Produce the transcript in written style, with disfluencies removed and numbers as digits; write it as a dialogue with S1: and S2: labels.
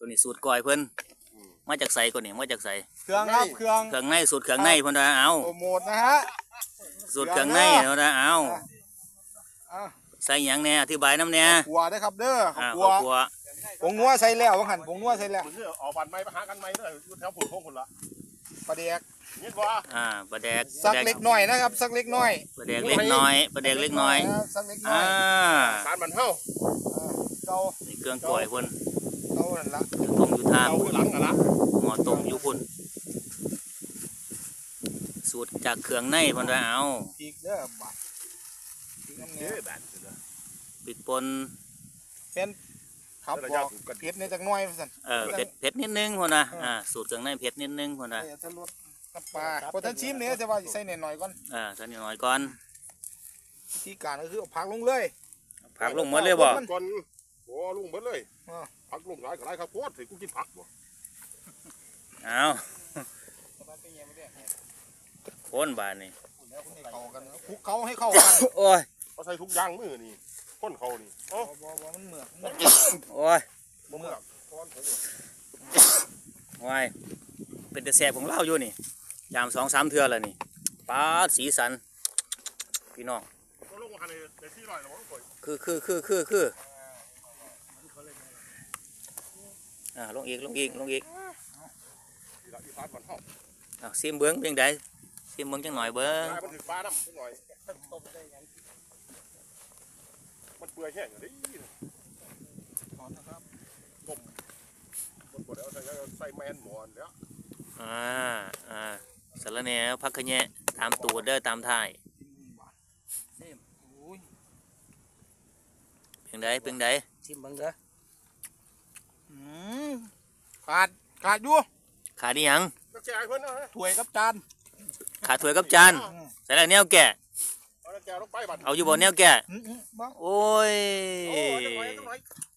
S1: ตัวนี้สูตรก้อยเพิ่นมาจากใส่ก่อนนี่มาจากใส่
S2: เครื่องครับเครื่อง
S1: เครื่องในสูตรเครื่องในเพิ่นว่าเอา
S2: โปรโมทนะฮะ
S1: สูตรเครื่องในเพิ่นว่าเอา
S2: อ่ะ
S1: ใส่หยังแหน่อธิบายน้ำแหน่
S2: ขัวได้ครับเด้อ
S1: อ่า
S2: ขัว
S1: ครัว
S2: ผงนัวใส่แล้วว่าหันผงนัวใส่แล้ว
S3: มันคือออกบันไม้ไปหากันไม้เลยอยู่แถวผุนพงคนละ
S2: ปลาแดก
S3: นี่ว่า
S1: ปลาแดก
S2: สักเล็กน้อยนะครับสักเล็กน้อย
S1: ปลาแดกเล็กน้อยปลาแดกเล็กน้อย
S2: สักเล็กน้อย
S3: สารมันเท่า
S2: เก่า
S1: นี่เครื่องก้อยเพิ่น
S2: เก่านั่นละ
S1: ต้มอยู่ทาง
S3: เอาหลังกันละ
S1: หม้อต้มอยู่พุ่นสูตรจากเครื่องในเพิ่นว่าเอา
S2: พริกเด้อบัดพริกน้ำเนี้
S3: เฮ้
S2: ย
S3: ยแบบ
S1: พริกป่น
S2: เป็นครับบอกเผ็ดในจักหน้อยสั่น
S1: เผ็ดนิดนึงพุ่นนะสูตรเครื่องในเผ็ดนิดนึงพุ่นนะ
S2: เดี๋ยวจะลดน้ำปลาพอท่านชิมเนี่ยจะว่าใส่หน่อยๆก่อน
S1: ใส่นิดหน่อยก่อน
S2: ที่การก็คือเอาผักลงเลย
S1: ผักลงหมดเลยบ่
S3: ก่อนโอ้ลุงเบิดเลยผักลุงหลายกับไรครับโคตรสิกูกินผักบ่
S1: เอาคนบานนี่
S2: เข้ากันคลุกเขาให้เข้ากัน
S1: โอ้ย
S3: เขาใส่ทุกอย่างมือนี่ก้นเขานี่อ๋อ
S2: บ่มันเหมือก
S1: โอ้ย
S3: บ่เมื่อก้อนผม
S1: วายเป็นแต่แสบของเราอยู่นี่ยาม2-3เทื่อแล้วนี่ปลาสีสันพี่น้อง
S3: ก็ลงมาในที่ลอยแล้วมั้งก่อย
S1: คือลงอีก
S3: ที่ละที่ฟาดมันเท่า
S1: ซิมเบิ้งเพียงใดซิมเบิ้งจังหน่อยเบิ้ง
S3: กลายมันถือปลาน้ำนิดหน่อยมันเปื่อยแห้งอย่างนี้ต้มมันปวดแล้วใส่แมนหมอนแล้ว
S1: สารแหน่พักขะแยะตามตูดเด้อตามท้ายเพียงใด
S2: ชิมบังเด้อขาดอยู่
S1: ขาดอีหยัง
S3: นักแก่เพื่อนนะฮะ
S2: ถ้วยกับจาน
S1: ขาดถ้วยกับจานใส่แล้วแนวแก่
S3: เอานักแก่ลงไปบัด
S1: เอาอยู่บ่แนวแก่
S2: บ้าง
S1: โอ้ย
S3: โอ้ยจังหน่อย